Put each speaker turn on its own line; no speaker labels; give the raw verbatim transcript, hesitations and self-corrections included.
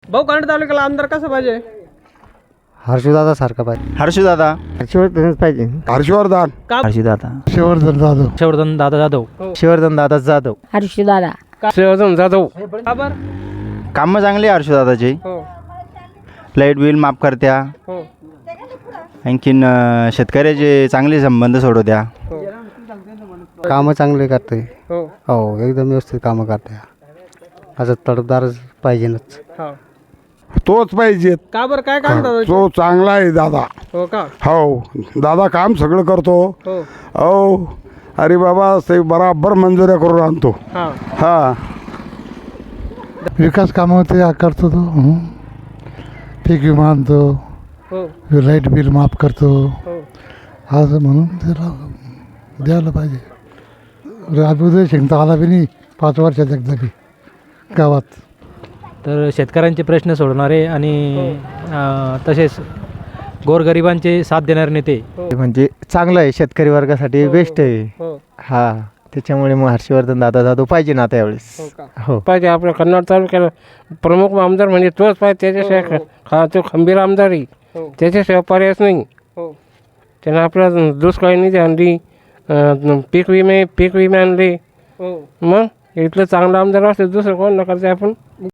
भाऊ कराड तालुक्याला आमदार कसं पाहिजे?
हर्षदादा सारखा पाहिजे.
हर्षदादा.
हर्षवर्धनच पाहिजे.
हर्षवर्धन.
का?
हर्षदादा.
शिवर्धन जाधव.
हर्षवर्धन दादा जाधव.
शिवर्धन दादा जाधव.
हर्षदादा.
शिवर्धन जाधव. का बरं?
कामं चांगली आहे हर्षदादाची.
हो
लाईट बिल माफ करत्या.
हो
आणखीन अं, शेतकऱ्याचे चांगले संबंध सोडवत्या.
हो
कामं चांगले करते.
हो
हो एकदम व्यवस्थित कामं करते. असं तडफदारच पाहिजेच.
हा.
तोच पाहिजे.
का बरं काय काम दादा?
तो चांगला आहे दादा.
हो का?
हो दादा काम सगळं करतो.
हो
हो अरे बाबा ते बराबर मंजुऱ्या करून आणतो.
हा.
हा
विकास कामं ते करतो तो. हं. पीक विमा आणतो.
हो
लाईट बिल माफ करतो.
हो
असं म्हणून त्याला द्यायला पाहिजे. राजूदय शिंगता आला बी नाही पाच वर्षात एकदा बी गावात.
तर शेतकऱ्यांचे प्रश्न सोडवणारे आणि अं, तसेच गोरगरिबांचे साथ देणारे नेते.
म्हणजे चांगलं आहे शेतकरी वर्गासाठी बेस्ट आहे.
हो
हा त्याच्यामुळे मग हर्षवर्धन दादा जाधव पाहिजे ना आता यावेळेस.
हो का?
हो
पाहिजे. आपल्या कन्नड तालुक्याला प्रमुख आमदार म्हणजे तोच पाहिजे. त्याच्याशिवाय हा तो खंबीर आमदार आहे.
हो
त्याच्याशिवाय पर्यायच नाही.
हो
त्यानं आपल्या दुष्काळी निधी आणली. अं, पीक विमे पीक विमे आणले.
हो
मग इथलं चांगलं आमदार असलं दुसरं कोण न करते आपण.